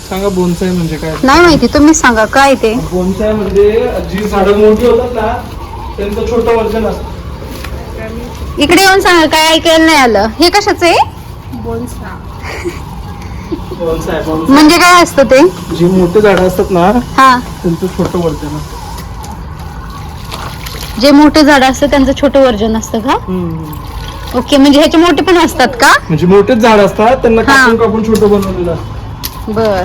सांगा बोनसाय म्हणजे काय? नाही माहिती, तुम्हीच सांगा काय ते. बोनसाय म्हणजे जी झाडं मोठी होतात ना त्यांचं छोटं वर्जन असतं. इकडे येऊन सांगा, काय ऐकायला नाही आलं. हे कशाचं आहे? बोनसाय म्हणजे काय असतं ते? जी मोठी झाडं असतात ना हा, त्यांचं छोटं वर्जन असतं. जे मोठे झाड असतं त्यांचं छोटं वर्जन असतं का? ओके, म्हणजे ह्याचे मोठे पण असतात का? म्हणजे मोठेच झाड असतात त्यांना हा. कापून कापून छोटं बनवलेलं असतं. बर.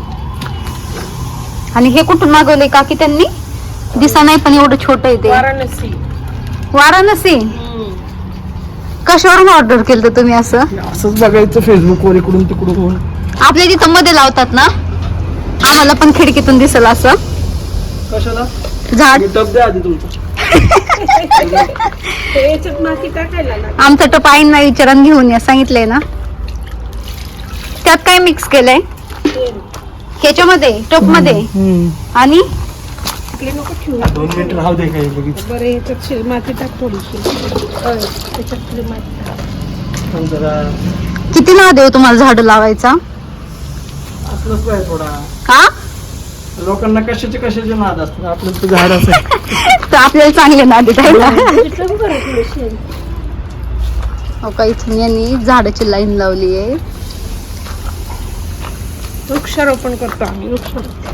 आणि हे कुठून मागवले काकी त्यांनी? दिसा नाही पण एवढं छोट आहे ते. वाराणसी. कशावरून ऑर्डर केलं तुम्ही असं? असंच बघायचं फेसबुकवर इकडून तिकडून. आपल्या तिथं मध्ये लावतात ना, आम्हाला पण खिडकीतून दिसल असं कशाला? झाड. टप द्या आधी तुमचं. आमचा टप आईंना विचारून घेऊन या सांगितलंय ना. त्यात काय मिक्स केलंय ह्याच्यामध्ये टप मध्ये? आणि 2 मिनिट राहू दे काही बघितलं. बरं याच्यात माती टाक थोडीशी. त्याच्यातली माती टाक. जरा किती नाव देऊ तुम्हाला झाड लावायचा? असलंच पाहिजे थोडा. हा, लोकांना कशाचे नाद असतात, आपलं तर झाड असेल तर आपल्याला चांगले नादी द्यायला. टाक बरं थोडीशी. हो का, इथून यांनी झाडाची लाईन लावली आहे. वृक्षारोपण करतो आम्ही, वृक्षारोपण.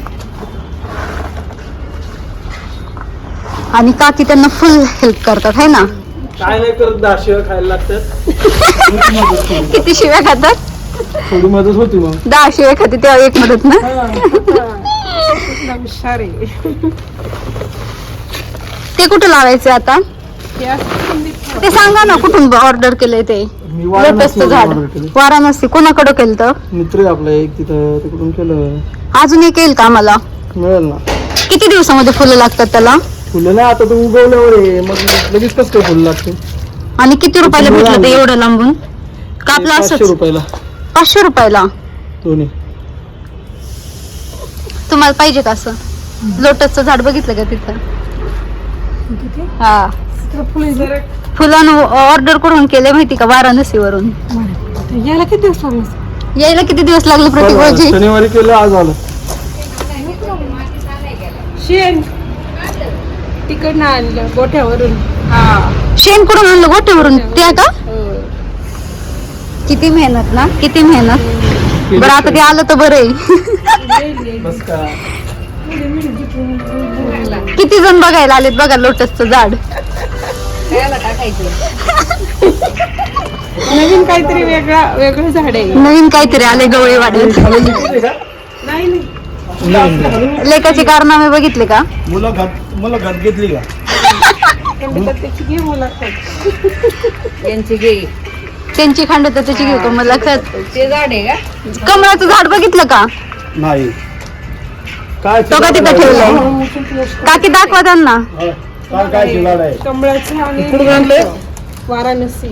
आणि काकी त्यांना फुल हेल्प करतात है ना. काय नाही करत, 10 शिव्या खायला लागतात. किती शिव्या खातात? थोडी मदत होती मग. 10 शिव्या खाते तेव्हा एक मदत ना. हुशार आहे. ते कुठे लावायचे आता? हे असं कुंडीत ठेव. ते सांगा ना कुठून ऑर्डर केलंय ते. मी लोटसचं झाड order केलं. वाराणसी. कोणाकडं केलं तर? मित्र आहे आपला एक तिथं, तिकडून केलं. अजून एक येईल का आम्हाला? मिळेल ना. किती दिवसामध्ये फुलं लागतात त्याला? फुलं नाही, आता तू उगवल्यावर आहे मग लगेच कसं काय फुलं लागते? आणि किती रुपयाला भेटलं ते एवढं लांबून? का आपलं 500 असंच? रुपयाला 500 रुपयाला. दोन्ही. तुम्हाला पाहिजे का असं? लोटसचं झाड बघितलं का तिथं? हा, जरा फुलांना ऑर्डर करून केले माहिती का, वाराणसी वरून. याला किती दिवस लागले? यायला किती दिवस लागले प्रतिभाजी? शनिवारी केलं, आज आलं. शेण तिकडनं आणलं गोठ्यावरून. शेण करून आणलं गोठ्यावरून त्या का? किती मेहनत ना, किती मेहनत. बरं आता ते आलं तर बरं आहे. बस का. किती जण बघायला आलेत बघा लोटसचं झाड. नवीन काहीतरी वेगळं झाड आहे. नवीन काहीतरी आले गवळी वाड्यात. नाही नाही, लेकाचे कारनामे बघितले का? मुलं घात घेतली का? त्याची घे मुलाखत. यांची घे. त्यांची खंड तर त्याची घेऊ का मला खत. ते झाड आहे का? कमळाचं झाड बघितलं का? नाही. काय तो का तिथं ठेवलंय? काकी दाखवा त्यांना. काय झाड आहे? कमळाचं आणि कुठून आणलंय? वाराणसी.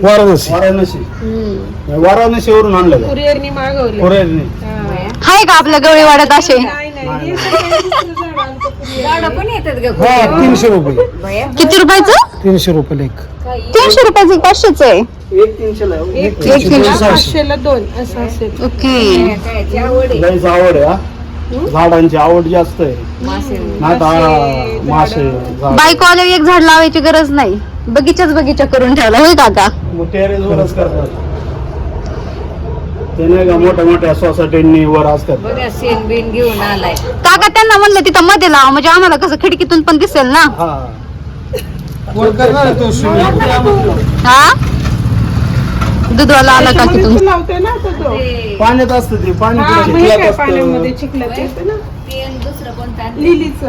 वाराणसीवरून आणलं. कुरिअरनी मागवले. हाय का आपल्या गवळी वाड्यात असे? नाही नाही, हे सगळं दुसरं झाड आणतं कुरिअरनी. झाडं पण येतात का? 300 रुपये. भया. किती रुपयाचं? 300 रुपये एक. 300 रुपयाचं 500च आहे. एक 300 ला. एक 300. 500ला 2 असं असेल. ओके. काय आवड आहे? गाईची आवड आहे. झाडांची आवड जास्त आहे. मासे. मासे बायको आल्यावर एक झाड लावायची गरज नाही, बगीचा करून ठेवला होय काका? टेरेसवरच करतात ते नाही का, मोठ्या मोठ्या सोसायटींनी वर असतात. बघा शेण बिन घेऊन आलाय. काका त्यांना म्हणलं तिथं मध्ये लावा, म्हणजे आम्हाला कसं खिडकीतून पण दिसेल ना. हा, दूधवाला आला का त्याच्यामध्ये तिथून? तू लावते ना आता तो. ते पाण्यात असतं ते, पाणी हा, कुठं म्हणजे चिखलात काय असतं. पाण्यामध्ये चिखलात येतं ना. ते आणि दुसरं कोणतं? लिलीचं.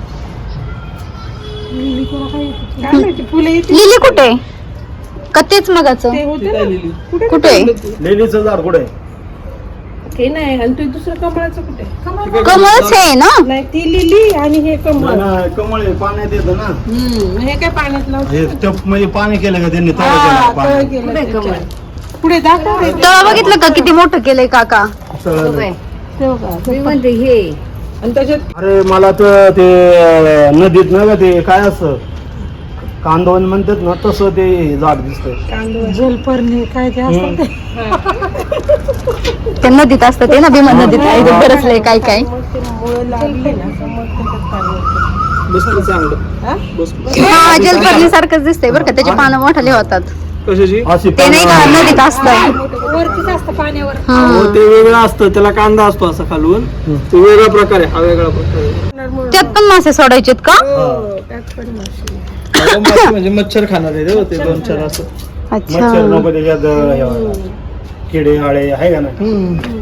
लिली कोणा काय येतं? काय माहिती, फुलं येते. लिली कुठे? का तेच मगाचं? ते होते ती ना. काय लिली? कुठे? ठेवलं तू? लिलीचं झाड कुठे आहे? ते नाही, आणि तू दुसरं कमळाचं कुठे? कमळच आहे ना. नाही, ती लिली आणि हे कमळ. नाही, कमळ आहे, पाण्यात येतं ना. हे काय पाण्यात लावते? हे टप म्हणजे पाणी केलं का त्यांनी, तळ हा, केलं तळ पाणी. केलं कुठे कमळ? त्याच्यात. पुढे दाखव रे. तेव्हा बघितलं का किती मोठं केलंय काका? तळलं. बघ बाई. तेव्हा का? मी म्हणते हे आणि त्याच्यात अरे मला तर ते नदीत ना का ते काय असं कांदवन म्हणतात ना, तसं ते झाड दिसतंय. जलपर्णी काय ते असतं ते. ते नदीत असतं ते ना भीमा नदीत आहे बरंच लय काय काय मग ते मुळं लागली ना तर मग त्याच्यात पाणी होतं. बसलं चांगलं. हा? बसलं. हा जलपर्णी सारखंच दिसतंय बरं का त्याचे पानं मोठाले होतात कशाची? अशी ते नाही का नदीत असतं वरतीच असतं पाण्यावर. हो, ते वेगळं असतं, त्याला कांदा असतो असा खालून. तो वेगळा प्रकार आहे, हा वेगळा प्रकार आहे. त्यात पण मासे सोडायचेत का हो, त्यात पण मासे. आता मासे म्हणजे मच्छर खाणार आहे रे, ते 2-4 असं. अच्छा मच्छर नको त्याच्यात किडे आळे आहे का नाही.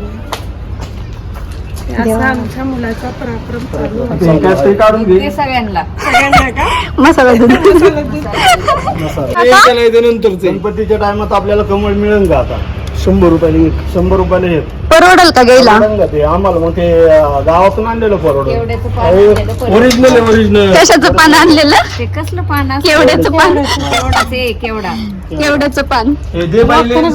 हे असा आमच्या मुलाचा पराक्रम चालू आहे. ते काय ते काढून घे. ते सगळ्यांना सगळ्यांना का? मसाला दूध मसाला. ते त्याला येते नंतरच आहे. गणपतीच्या टायमात आपल्याला कमळ मिळेल का आता? 100 रुपयाला एक. 100 रुपयाला एक. परवडल का घ्यायला मिळेल का ते आम्हाला? मग ते गावातून आणलेलं परवडलं. केवड्याचं पान आणलेलं परत. ओरिजिनल आहे, ओरिजिनल. कशाचं पान आणलेलं ते कसलं पान असतं? केवड्याचं पान केवडाचं आहे, केवडा. केवड्याचं पान हे दे बाईले. हो,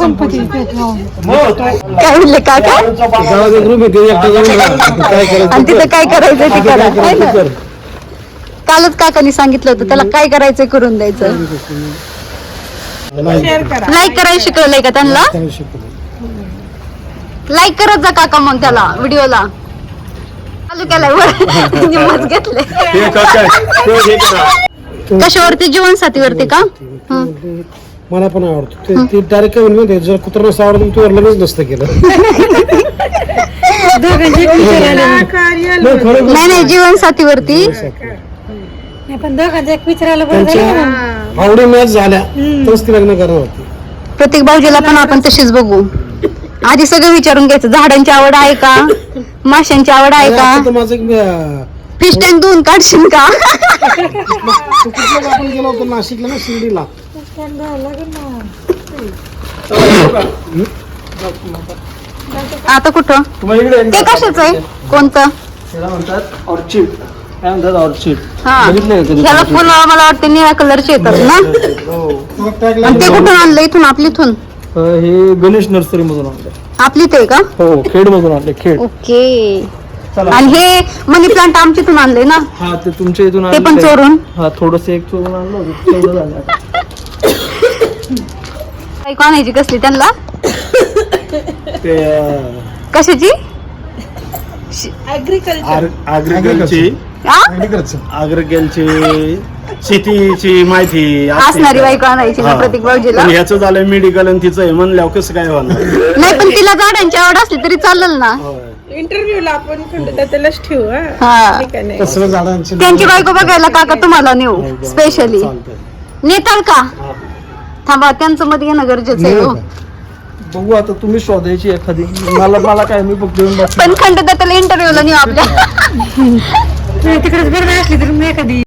काय म्हणले काका गावात एक रूम आहे, ते एकटं जाऊन राहा. काय करायचं आणि तिथं काय करायचं ते करा काय है ना? करायचं कर. कालच काकांनी सांगितलं होतं त्याला काय करायचं करून द्यायचं शेअर करा. लाईक करायला शिकवलंय का त्यांना लाईक करत जा काका मग त्याला व्हिडिओला चालू केलाय वर निम्मच घेतले ते कसं आहे? ते हे करा. कशावरती जीवनसाथीवरती का हं. मला पण आवडतो ते डायरेक्ट काय म्हणते जर कुत्रा नसतं आवडतं तू लगेच नसतं केलं कार्य नाही नाही जीवनसाथीवरती त्यांच्या आवडी मॅच झाल्या तरच ती लग्न करणार होती. प्रत्येक भाऊजीला पण आपण तशीच बघू आधी सगळं विचारून घ्यायचं झाडांची आवड आहे का माशांची आवड आहे आता तर का माझं फिश टँक धुवून काढशील का कुठलं आपण गेलो होतो नाशिकला ना शिर्डीला आता कुठं तुम्हाला इकडे ते कशाच आहे कोणतं त्याला म्हणतात ऑर्चिड. काय म्हणतात ऑर्चिड? हा बघितलंय का कधी? ह्याला फुलं मला वाटतं निळ्या कलरचे येतात ना आणि ते कुठून आणलं इथून आपली इथून हे गणेश नर्सरी मधून आणले. आपली ते का हो, खेड मधून आणले, खेड. ओके आणि हे मनी प्लांट आमच्या इथून आणले ना हा, ते तुमच्या इथून ते पण आणलंय. चोरून हा, थोडस एक चोरून आणलं होतं, तेवढं झालं आता. काही आणायची कसली त्यांना ते कशाची ऍग्रिकल्चर अग्रिकल्चरची शेतीची माहिती असते. असणारी बायको आणायची ना हा. प्रत्येक भाऊजीला पण ह्याचं झालं मेडिकल आणि तिचं आहे म्हणल्यावर कसं काय होणार? नाही पण तिला झाडांची आवड असली तरी चालेल ना इंटरव्ह्यूला आपण खंडता त्यालाच ठेवू हा हा ठीक आहे नाही तसलं झाडांची त्यांची बायको बघायला काका तुम्हाला नेऊ स्पेशली चालतंय. नेताल का थांबा त्यांचं मत घेणं गरजेचं आहे हो. बघू आता, तुम्ही शोधायची एखादी. मला काय, मी फक्त येऊन बस. पण खंडता त्याला इंटरव्ह्यूला नेऊ आपल्या